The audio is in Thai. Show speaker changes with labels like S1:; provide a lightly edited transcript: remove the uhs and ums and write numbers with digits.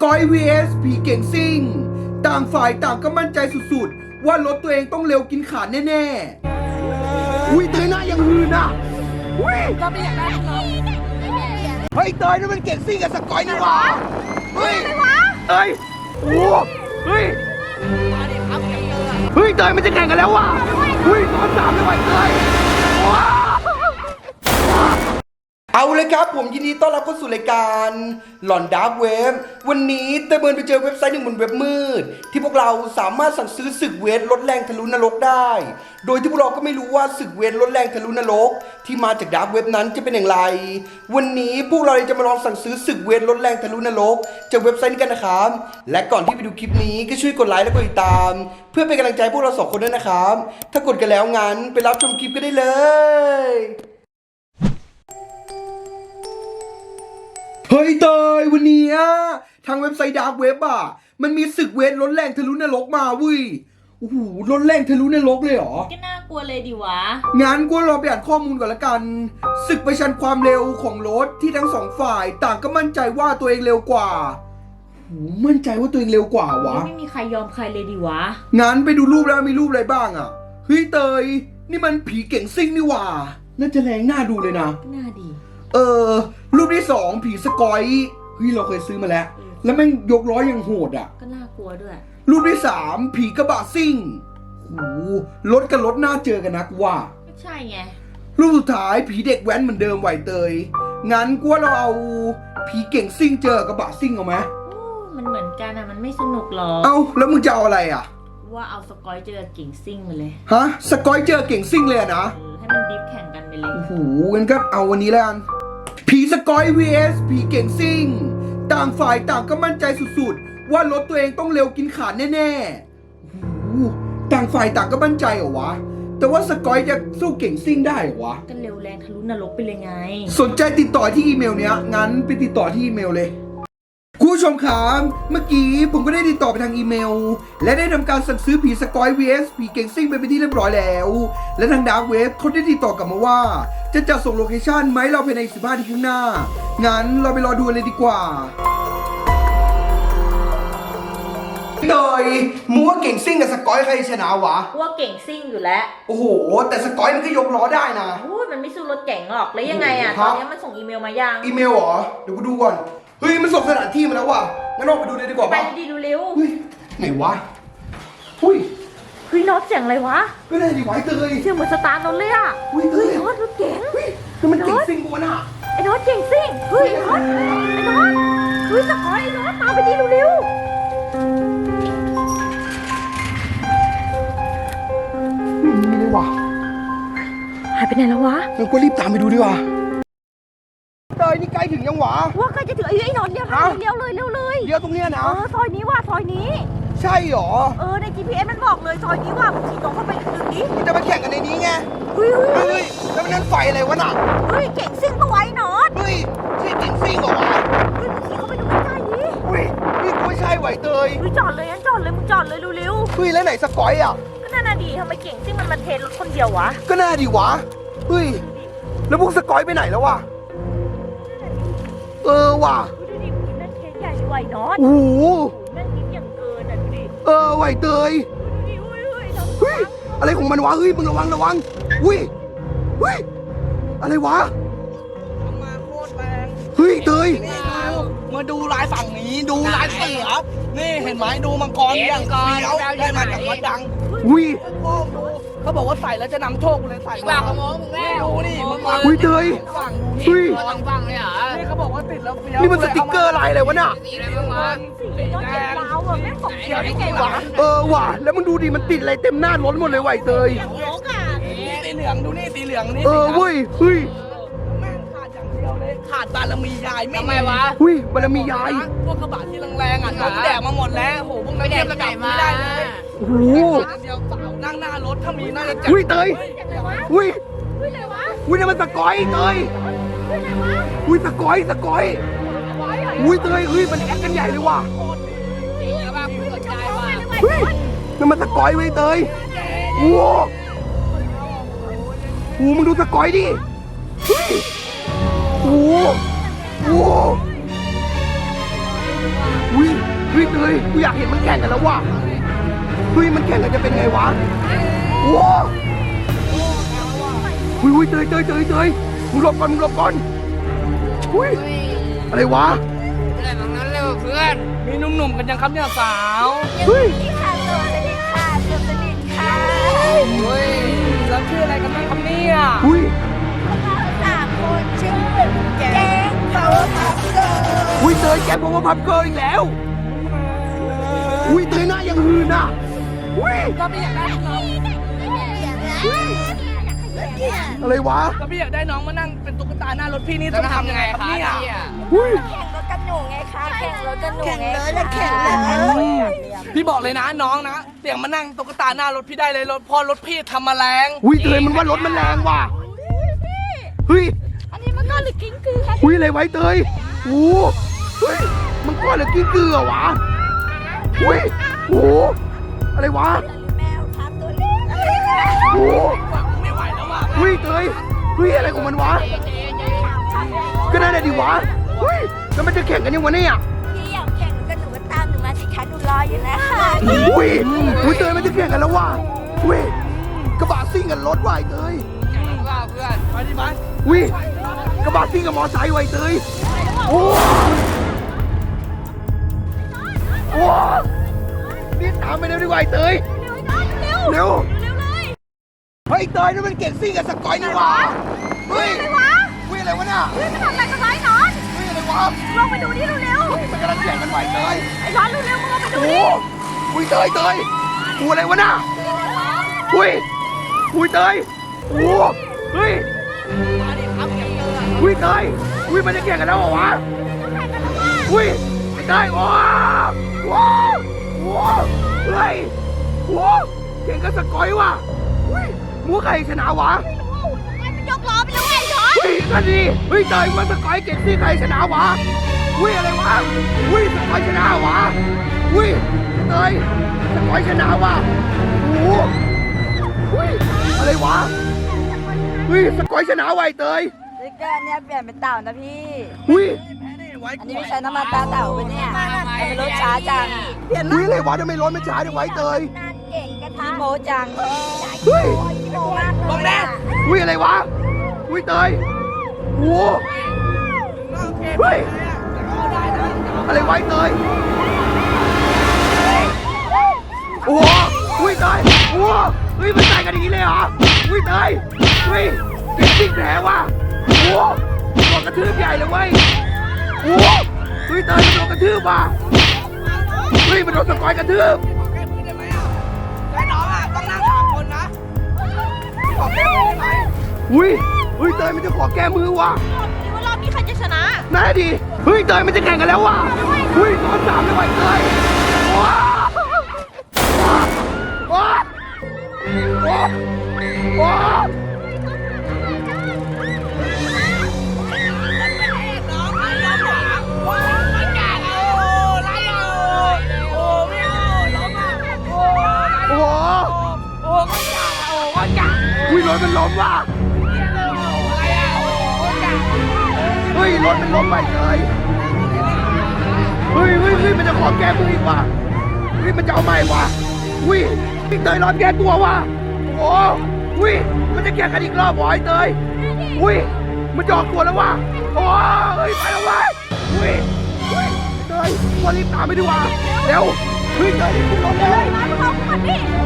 S1: อย vs ผีเก่งซิ่งต่างฝ่ายต่างก็มั่นใจสุดๆว่ารถตัวเองต้องเร็วกินขาดแน่ๆอุ้ยเตยหน้ายังหืนอ่ะอุ้ย
S2: ก็ไม่อยากได้หรอก
S1: เฮ้ยเตยนี่มันเก่งซิ่งกับสกอยนี่หว่าเฮ้ยเอ้ยโอ้เฮ้ยเฮ้ยเตยมันจะแข่งกันแล้วว่ะเฮ้ยตอน3เลยว่ะเตยว้าวเอาเลยครับผมยินดีต้อนรับเข้าสู่รายการหลอนดาร์กเว็บวันนี้เตยเบิร์นไปเจอเว็บไซต์หนึ่งบนเว็บมืดที่พวกเราสามารถสั่งซื้อศึกเวทลดแรงทะลุนรกได้โดยที่พวกเราก็ไม่รู้ว่าศึกเวทลดแรงทะลุนรกที่มาจากดาร์กเว็บนั้นจะเป็นอย่างไรวันนี้พวกเราจะมาลองสั่งซื้อศึกเวทลดแรงทะลุนรกจากเว็บไซต์นี้กันนะครับและก่อนที่ไปดูคลิปนี้ก็ช่วยกดไลค์และกดติดตามเพื่อเป็นกำลังใจพวกเรา2คนด้วยนะครับถ้ากดกันแล้วงั้นไปรับชมคลิปกันได้เลยเฮ้ยเตยวันนี้ทางเว็บไซต์ดาร์กเว็บมันมีศึกเวทลดแรงทะลุนรกมาเว้ยโอ้โหลดแรงทะลุนรกเลยเหรอ
S2: ก็น่ากลัวเลยดิวะ
S1: งั้นกูรอไปอ่านข้อมูลก่อนละกันศึกประชันความเร็วของรถที่ทั้งสองฝ่ายต่างก็มั่นใจว่าตัวเองเร็วกว่าโอ้มั่นใจว่าตัวเองเร็วกว่าวะ
S2: ไม่มีใครยอมใครเลยดิวะ
S1: งั้นไปดูรูปแล้วมีรูปอะไรบ้างเฮ้ยเตยนี่มันผีเก่งซิ่งนี่หว่าน่าจะแรงน่าดูเลยนะ
S2: น่าดี
S1: รูปที่2ผีสกอยเฮ้ยเราเคยซื้อมาแล้วแล้วแม่งยกล้อยังโหด
S2: ก็น่ากลัวด้วย
S1: รูปที่3ผีกระบะซิ่งโอ้รถกับรถน่าเจอกันนะกูว่า
S2: ไม่ใช่ไง
S1: รูปสุดท้ายผีเด็กแว้นเหมือนเดิมไหวเตยงั้นกูว่าเราเอาผีเก่งซิ่งเจอกระบะซิ่งเอาไหม
S2: มันเหมือนกันมันไม่สนุกหรอก
S1: แล้วมึงจะเอาอะไร
S2: ว่าเอาสกอยเจอเก่งซิ่งมาเลย
S1: ฮะสกอยเจอเก่งซิ่งเลยนะ
S2: ให้มันดิฟแข่งกันไปเลย
S1: โอ้โหงั้นก็เอาวันนี้แล้วกันผีสกอย vs ผีเก่งซิ่งต่างฝ่ายต่างก็มั่นใจสุดๆว่ารถตัวเองต้องเร็วกินขาดแน่ๆโอ้โหต่างฝ่ายต่างก็มั่นใจเหรอวะแต่ว่าสกอยจะสู้เก่งซิ่งได้เหรอวะ
S2: ก็เร็วแรงทะลุนรกไปเลยไง
S1: สนใจติดต่อที่อีเมลเนี้ยงั้นไปติดต่อที่อีเมลเลยคุณผู้ชมครับเมื่อกี้ผมก็ได้ติดต่อไปทางอีเมลและได้ทำการสั่งซื้อผีสกอย vs ผีเก่งซิ่งไปเป็นที่เรียบร้อยแล้วและทางดาร์กเว็บเขาได้ติดต่อกลับมาว่าจะจัดส่งโลเคชั่นไหมเราภายใน15 นาทีข้างหน้างั้นเราไปรอดูเลยดีกว่าโดยมึงว่าเก่งซิ่งกับสกอยใครชนะวะ
S2: ว่าเก่งซิ่งอยู่แล้ว
S1: โอ้โหแต่สกอยมันก็ยกล้อได้นะ
S2: มันไม่สู้รถเก่งหรอกแล้วยังไงตอนนี้มันส่งอีเมลมายัง
S1: อีเมลเหรอเดี๋ยวกูดูก่อนเฮ้ยมันส่งสถานที่มาแล้วว่ะงั้นเราไปดูเลยดีกว่า
S2: ไปดีดูเร็ว
S1: ไหนวะเฮ้ย
S2: น็อตเสียงอะไรวะ
S1: ก็ได้ดิไว้เตย
S2: เสียงเหมือนสตาร์ทรถเลยเฮ้ยน็อตรถเก่ง
S1: คือมันเก่งซิ่งกูน่ะ
S2: ไอ้น็อตเก่งซิ่งเฮ้ยน็อตเฮ้ยสกอยไอ้น็อตตามไปดีเร็ว
S1: ไม่ได้ว่ะ
S2: หายไปไหนแล้ววะ
S1: งั้นก็รีบตามไปดูดีกว่าเตยนี่ใกล้ถึงยังหวะ
S2: ว่าใกล้จะถึงไอ้นนท์เนี่ยค่ะเลี้ยวเลยเ
S1: ลี้ยวตรงเนี้ยนะ
S2: ซอยนี้ว่ะซอยนี้
S1: ใช่หรอ
S2: ใน GPS มันบอกเลยซอยนี้ว่ะมึงขี่ตรงเข้าไปถึงนี้
S1: มันจะมาแข่งกันในนี้ไง
S2: เฮ้ย
S1: แล้วมันนั่นไฟอะไรวะน่ะ
S2: เก่งซิ่งตัวไว้นอต
S1: ใช่เก่งซิ่งเหรอวะ
S2: มึงขี่เข้าไปดูใกล้ๆนี้
S1: นี่ไม่ใช่ไหวเตย
S2: จอดเลยงั้นจอดเลยมึงจอดเลยเร็ว
S1: แล้วไหนสกอย
S2: ก็น่าดีทำไมเก่งซิ่งมันมาเทรถคนเดียววะ
S1: ก็น่าดีวะแล้วพวกสกอยไปไหนแล้ววะว่ะ
S2: ดูดินั่นเค้กใหญ่ไหวนอต
S1: โอ้โห
S2: นั่นนิดอย่างเกินดูดิ
S1: ไหวเตย
S2: ดูดิ
S1: อะไรของมันวะมึงระวังอะไรวะ
S3: มาโคตรแรง
S1: เตย
S3: มาดูลายฝั่งนี้ดูลายเสือนี่เห็นไหมดูมังกรอย่างเฟี้ยวได้มาจากวัดดังเขาบอกว่าใส่แล้วจะนำโชคเลยใส่
S4: ว่าขโมยมึงแม่
S3: ดูนี่มึง
S1: เตย
S4: ฟังเลยเหรอ
S3: นี่เขาบอกว่าติดแล้วเฟี้ยว
S1: นี่มันสติ๊กเกอร์อะไรวะน่ะ
S4: สีอะไรบ้างวะ
S2: สีรถเจ็บดาวแม่งของเฟี้ยวได้ไงวะ
S1: ว่ะแล้วมึงดูดิมันติดอะไรเต็มหน้ารถหมดเลยไหวเตย
S3: สีเหลืองดูนี่สีเหลืองนี่
S1: เว้ย
S3: แม่งขาดอย่างเดียวเลยขาดบารมียาย
S4: ทำไมวะ
S1: บารมียาย
S3: พวกกระบะที่แรงๆแดกมาหมดแล้วโหพวกนั้นเทียบระดับไม่ได้เลย
S1: โอ้โห
S3: เดียวสาวนั่งหน้ารถถ้ามีน่าจะ
S1: จับเตยนี่มันสกอยเตยสกอยเตยมันแอคกันใหญ่เลยว่ะนั่นมันสกอยเตยโอ้โหมึงดูสกอยดิโอ้โห
S3: อุ้ยเฮ้ยเตยกูอยากเห็นมันแข่งกันแล้วว่ะเฮ้ยมันแข่งกันจะเป็นไงวะว้าวอุ้ยเตยมึงหลบก่อนอุ้ยอะไรวะ
S4: อะไรแบบนั้นเลยเพื่อน
S3: มีหนุ่มๆกันยังครับเนี่ยสาว
S2: เฮ้ยค่ะตัวสนิทค่ะตัวสนิทค่ะ
S4: เฮ้ย
S3: แล้วชื่ออะไรกันบ้างครับเนี่ยอุ้ย
S2: สามคนชื่อแกงเขาพับเกิร์ล
S3: อุ้ยเตยแกบอกว่าพับเกิร์ลอีกแล้วอุ้ยเตยหน้ายังหืนอ่ะอุ้ย
S4: ก็ไม่อยากได้น้อง
S3: อะไรวะ
S5: ก็พี่อยากได้น้องมานั่งเป็นตุ๊กตาหน้ารถพี่นี่
S4: จะ
S5: ต้อง
S4: ทำ
S5: ทำ
S4: ยั
S5: ยัง ง
S4: ไง
S5: ไง
S4: ค
S5: ค
S4: รั
S5: รั
S4: บบ
S5: เนี่ย
S3: อุ้ย
S2: แข่งรถกันหนูไงคะแข่งรถกันหนูไง
S6: แข่งเลย
S5: พี่บอกเลยนะน้องนะเสียงมานั่งตุ๊กตาหน้ารถพี่ได้เลยรถพอรถพี่ทำมาแรง
S3: อุ้ยเตยมันว่ารถมันแรงว่ะเฮ้ย
S2: อันนี้มันก็หรือกิ้งกือคะ
S3: อุ้ยอะไรไว้เตยโอ้เฮ้ยมันก้อนหรือกิ้งกือวะอุ้ยโอ้อะไรวะ
S2: แมวครับตัวเล็ก
S3: โอ้
S5: ไม่ไหวแล้วว่ะ
S3: อุ้ยเตยเฮ้ยอะไรของมันวะก็นั่นแหละดิวะเฮ้ยแล้วมันจะแข่งกันยังวะเนี่ย
S2: พี่อยากแข่งกันหนูก็ตามหนูมาสิคะหนูรออยู่นะคะ
S3: อุ้ยอุ้ยเตยมันจะแข่งกันแล้วว่ะอุ้ยกระบะซิ่งกันรถว่ะไอ้เตย
S4: ว่าเพื่อน
S5: ไปดิไป
S3: อุ้ยกระบะซิ่งกับมอไซค์ว่ะไอ้เตยโอ้โอ้นี่ตามไปเร็วดีกว่าไอ้เตยเร็วเฮ้ยเตยนี่มันเก่งซิ่งกับสกอยนี่หว่าเฮ้ยเฮ้ยอะไรวะเนี่ย
S2: มันทำอะไรกันไว้นอน
S3: เฮ้ยอะไรวะ
S2: ลงไปดูนี่เร็ว
S3: เฮ้ยมันกำลังแข่งกันไหวเตย
S2: ๆไอ้นอนเร็วๆมึงลงไปดู
S3: โอ้
S2: นี่
S3: อุ้ยเตยกูอะไรวะน่ะอุ้ยอุ้ยเตยโอ้เฮ้ยอุ้ยเตยอุ้ยมันจะแข่งกันแล้วเหรอวะอุ้ยไม่ได้โอ้โหโอ้เฮ้ยโอ้แข่งกันสกอยว่ะอุ้ยมัวใครชนะวะ
S2: ยกล้อไปแล้วไอ้นอน
S3: อุ้ยนั่นดิเฮ้ยเตยมันสกอยเก่งสิใครชนะวะอุ้ยอะไรวะอุ้ยสกอยชนะวะอุ้ยเตยสกอยชนะวะโอ้อุ้ยอะไรวะอุ้ยสกอยชนะวะไอ้เตย
S6: สติ๊กเกอร์อันเนี้ยเปลี่ยนเป็นเต่านะพี่
S3: อุ้ย
S6: อันนี้ไม่ใช้น้ำมันตาเต่าปะเนี่ยทำไมรถช้าจัง
S3: อุ้ยอะไรวะทำไมรถมันช้าจังวะไอ้เตย
S2: นานเก่งกัน
S6: พี่
S2: ทะ
S6: โมจัง
S3: เฮ้ย
S2: กิโลมากเลย
S5: บอกแน่
S3: อุ้ยอะไรวะอุ้ยเตยโอ้เฮ้ยอะไรวะไอ้เตยโอ้โหอุ้ยเตยโอ้เฮ้ยมันใส่กันอย่างนี้เลยเหรออุ้ยเตยเฮ้ยเด็กจริงแผลว่ะโอ้โดนกระทืบใหญ่เลยเว้ยโอ้เฮ้ยเตยมันโดนกระทืบว่ะเฮ้ยมันโดนสกอยกระทืบ
S5: แค่พี่ได้ไหมอ่ะแต่น้องอ่ะต้องนั่งสามคนนะขอแค่พี่ได้ไหม
S3: อุ้ยอุ้ยเตยมันจะขอแก้มือว่ะ
S2: คิดว่ารอบนี้ใครจะชนะ
S3: น่าดีเฮ้ยเตยมันจะแข่งกันแล้วว่ะเฮ้ยตอนสามเลยว่ะเตยว้าวว้าวว้าวว้าว
S5: น้องไอ้ล้มหลังว้าวมันกล้าเอาไล่เอาโอ้ไม่เอาล้มอ่ะโอ้
S3: โอ้โห
S5: โอ้มันกล้าโอ้มันกล้า
S3: อุ้ยรถมันล้มว่ะ
S5: อะไรอ่ะโอ้มันกล้า
S3: เฮ้ยรถมันล้มไปเลยเฮ้ยมันจะขอแก้มืออีกว่ะเฮ้ยมันจะเอาใหม่ว่ะอุ้ยพี่เตยรอแก้ตัวว่ะโอ้อุ้ยมันจะแข่งกันอีกรอบเหรอไอ้เตยอุ้ยมันจะออกตัวแล้วว่ะโอ้เฮ้ยไปแล้วว่ะอุ้ยเตยวันรีบตามไปดีกว่าเร็วเฮ้ยเตยรีบขึ้นรถเลย
S2: มาเข้ามาดิ